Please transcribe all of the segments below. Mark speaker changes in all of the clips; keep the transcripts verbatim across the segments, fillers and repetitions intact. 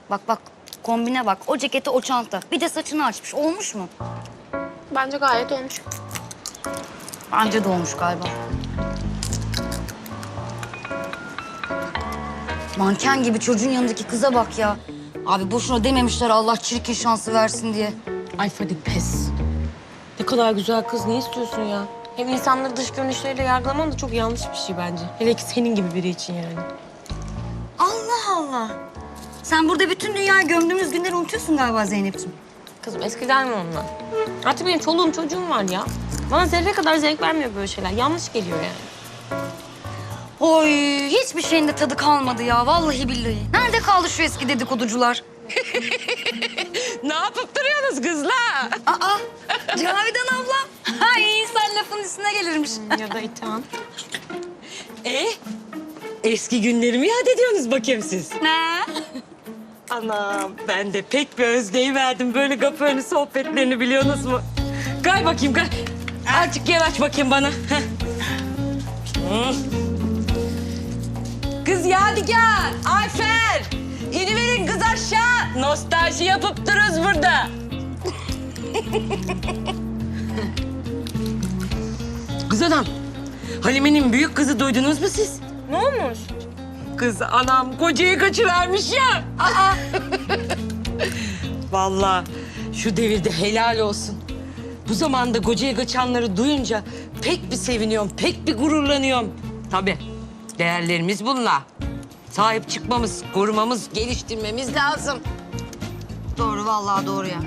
Speaker 1: Bak bak kombine bak. O ceketi o çanta. Bir de saçını açmış. Olmuş mu?
Speaker 2: Bence gayet olmuş.
Speaker 1: Bence de olmuş galiba. Manken gibi çocuğun yanındaki kıza bak ya. Abi boşuna dememişler Allah çirkin şansı versin diye.
Speaker 3: Ay Fadik pes. Ne kadar güzel kız, ne istiyorsun ya? Hem insanları dış görünüşleriyle yargılaman da çok yanlış bir şey bence. Hele ki senin gibi biri için yani.
Speaker 1: Allah Allah. Sen burada bütün dünyayı gömdüğümüz günleri unutuyorsun galiba Zeynep'ciğim.
Speaker 3: Kızım eskiden mi onlar? Artık benim çoluğum çocuğum var ya. Bana zerre kadar zevk vermiyor böyle şeyler. Yanlış geliyor yani.
Speaker 1: Oy hiçbir şeyin de tadı kalmadı ya vallahi billahi. Nerede kaldı şu eski dedikoducular?
Speaker 3: Ne yapıp duruyorsunuz kızlar?
Speaker 1: Aa Cavidan ablam. Ay insan lafın üstüne gelirmiş.
Speaker 3: Ya da İthan. E eski günlerimi yad ediyorsunuz bakayım siz.
Speaker 1: Ne?
Speaker 3: Anam ben de pek bir özleyiverdim böyle kapı önü sohbetlerini biliyorsunuz mu? Gel bakayım gel. Azıcık yer aç bakayım bana. Heh. Hı. Kız Yadigar, Ayfer. İniverin kız aşağı. Nostalji yapıp dururuz burada. Kız adam, Halime'nin büyük kızı duydunuz mu siz? Ne olmuş? Kız anam kocayı kaçıvermiş ya. Aa. Vallahi şu devirde helal olsun. Bu zamanda kocayı kaçanları duyunca pek bir seviniyorum, pek bir gururlanıyorum. Tabii değerlerimiz bunlar. Sahip çıkmamız, korumamız, geliştirmemiz lazım.
Speaker 1: Doğru vallahi doğru ya.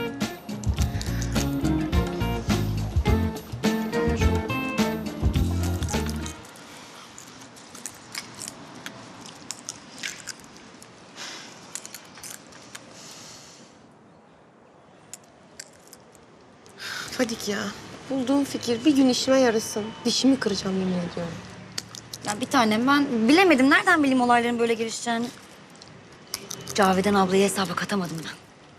Speaker 2: Fadik ya. Bulduğum fikir bir gün işime yarasın. Dişimi kıracağım yemin ediyorum.
Speaker 1: Ya bir tanem ben bilemedim. Nereden bileyim olayların böyle gelişeceğini? Cavidan ablayı hesaba katamadım ben.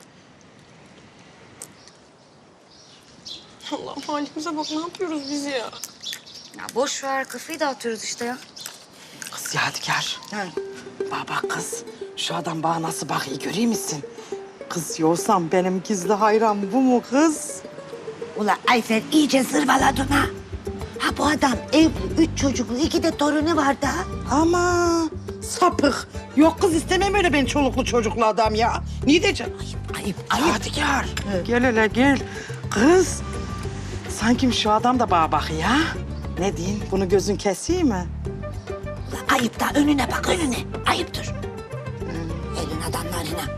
Speaker 2: Allah'ım halimize bak ne yapıyoruz biz ya?
Speaker 1: Ya boş ver kafayı dağıtıyoruz işte ya.
Speaker 4: Kız Yadigar. Bak bak kız. Şu adam bana nasıl bakıyor göreyim misin? Kız yoksam benim gizli hayran bu mu kız?
Speaker 5: Ula Ayfer iyice zırvaladın ha. Ha bu adam evli, üç çocuklu, iki de torunu var da.
Speaker 4: Ama sapık. Yok kız istemem öyle ben çoluklu çocuklu adam ya. Niye diyeceğim?
Speaker 5: Ayıp, ayıp.
Speaker 4: Yadigar. Gel hele gel. Kız. Sanki şu adam da bana bakıyor ha. Ne diyeyim? Bunu gözün keseyim mi?
Speaker 5: Ula ayıp da önüne bak önüne. Ayıptır. Elin adamlarına.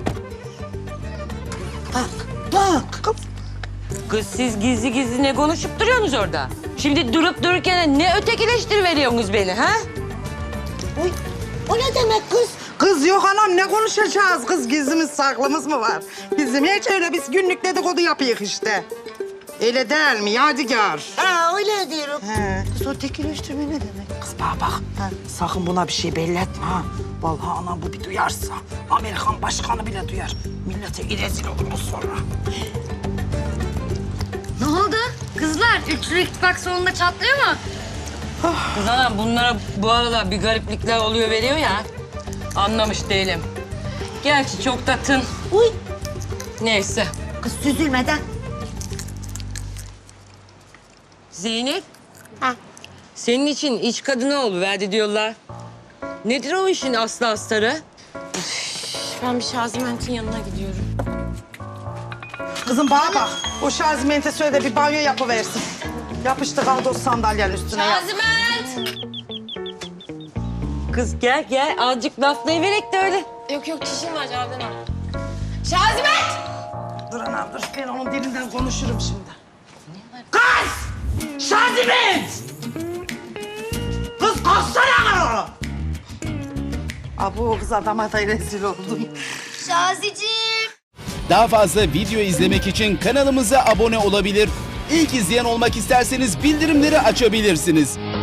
Speaker 5: Bak, bak.
Speaker 4: Kız.
Speaker 3: Kız siz gizli gizli ne konuşup duruyorsunuz orada? Şimdi durup dururken ne ötekileştiriveriyorsunuz beni ha?
Speaker 5: Oy, o ne demek kız?
Speaker 4: Kız yok anam ne konuşacağız? Kız gizlimiz saklımız mı var? Bizim hiç öyle biz günlük dedikodu yapıyık işte. Öyle değil mi Yadigar?
Speaker 5: Ha öyle diyorum.
Speaker 4: He.
Speaker 5: Kız o tekileştirme ne demek?
Speaker 4: Kız bana bak. Sakın buna bir şey belli etme ha. Vallahi anam bu bir duyarsa Amerikan başkanı bile duyar. Millete rezil oluruz sonra.
Speaker 1: Ne oldu? Kızlar üçlü ittifak sonunda çatlıyor mu?
Speaker 3: Kız anam bunlara bu aralar bir gariplikler oluyor veriyor ya. Anlamış değilim. Gerçi çok da tın.
Speaker 5: Uy,
Speaker 3: Neyse.
Speaker 5: kız süzülmeden.
Speaker 3: Zeynep.
Speaker 2: Ha.
Speaker 3: Senin için iç kadını oluverdi diyorlar. Nedir o işin aslı astarı? Ben bir Şaziment'in yanına gidiyorum.
Speaker 4: Kızım bana bak. O Şaziment'e söyle de bir banyo yapıversin. Yapıştı kaldı o sandalyenin üstüne yap.
Speaker 3: Şaziment! Kız gel gel azıcık laflayıverek de öyle.
Speaker 2: Yok yok çişim var Cavidan abla. Şaziment!
Speaker 4: Dur anam dur. Ben onun dilinden konuşurum şimdi. Kız! Şaziment! Kız kalksana! Abu o kız adama da rezil oldum.
Speaker 1: Şaziciğim.
Speaker 6: Daha fazla video izlemek için kanalımıza abone olabilir. İlk izleyen olmak isterseniz bildirimleri açabilirsiniz.